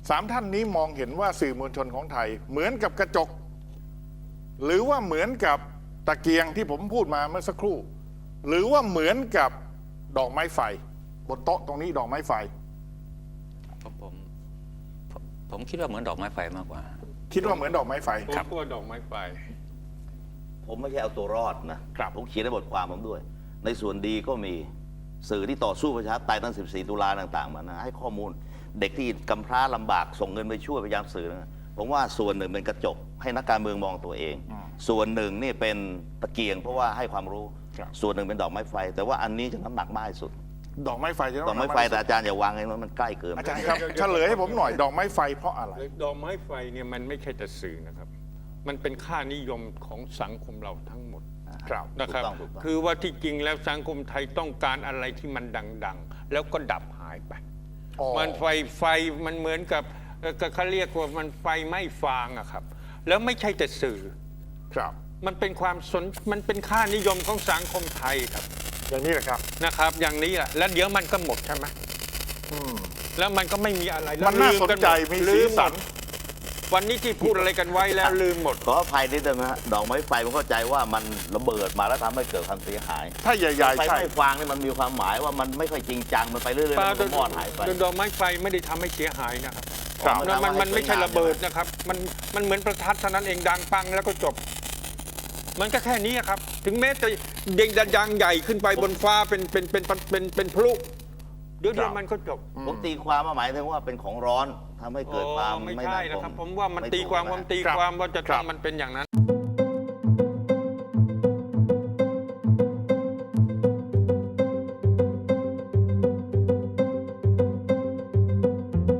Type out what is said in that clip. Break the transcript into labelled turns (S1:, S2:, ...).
S1: 3 ท่านนี้มองเห็นว่าสื่อมวลชนของไทยเหมือนกับกระจก หรือว่าเหมือนกับตะเกียงที่ผมพูดมาเมื่อสักครู่ หรือว่าเหมือนกับดอกไม้ไฟบนโต๊ะตรงนี้ดอกไม้ไฟ
S2: ผมคิดว่าเหมือนดอกไม้ไฟมากกว่า
S1: คิดว่าเหมือนดอกไม้ไฟ
S3: ผมกลัวดอกไม้ไฟ
S4: ผมไม่ใช่เอาตัวรอดนะผมเขียนในบทความผมด้วยในส่วนดีก็มีสื่อที่ต่อสู้ประชาธิปไตยตั้ง14 ตุลาต่างๆมานะให้ข้อมูลเด็กที่กำพร้าลำบากส่งเงินไปช่วยพยายามสื่อนะผมว่าส่วนหนึ่งเป็นกระจกให้นักการเมืองมองตัวเองส่วนหนึ่งนี่เป็นตะเกียงเพราะว่าให้ความรู้ส่วนหนึ่งเป็นดอกไม้ไฟแต่ว่าอันนี้จะน้ำหนักมากที่สุด
S1: ดอกไม้ไฟจะ
S4: ดอกไม้ไฟแต่อาจารย์อย่าวางไงมันใกล้เกิน
S1: อาจารย์ครับเฉลยให้ผมหน่อยดอกไม้ไฟเพราะอะไร
S3: ดอกไม้ไฟเนี่ยมันไม่ใช่แต่สื่อนะครับมันเป็นค่านิยมของสังคมเราทั้งหมดนะครับคือว่าที่จริงแล้วสังคมไทยต้องการอะไรที่มันดังๆแล้วก็ดับหายไปมันไฟมันเหมือนกับเขาเรียกว่ามันไฟไหม้ฟางอะครับแล้วไม่ใช่แต่สื่อ
S1: ครับ
S3: มันเป็นมันเป็นค่านิยมของสังคมไทยครับ
S1: อย่างนี้แหละครับ
S3: นะครับอย่างนี้แหละแล้วเดี๋ยวมันก็หมดใช่ไหมแล้วมันก็ไม่มีอะไร
S1: มันน่าสนใจมีสีสัน
S3: วันนี้ที่พูดอะไรกันไว้แล้วลืมหมด
S4: ขออภัยนิดนึงนะฮะดอกไม้ไฟผมเข้าใจว่ามันระเบิดมาแล้วทำให้เกิดความเสียหาย
S1: ถ้าใหญ่ๆ
S4: ไฟไม่ฟางนี่มันมีความหมายว่ามันไม่ค่อยจริงจังมันไปเรื่อยๆมันมอดหายไป
S3: ดอกไม้ไฟไม่ได้ทำให้เสียหายนะครับมันไม่ใช่ระเบิดนะครับมันเหมือนประทัดเท่านั้นเองดังปังแล้วก็จบมันก็แค่นี้ครับถึงแม้จะเด้งดังใหญ่ขึ้นไปบนฟ้าเป็นพลุเดี๋ยวมันก็จบ
S4: ผมตีความมาหมายถึงว่าเป็นของร้อนทำให้เกิดความ
S3: ไม่ใช่นะครับผมว่ามันตีความว่าจะต้องมันเป็นอย่างนั้น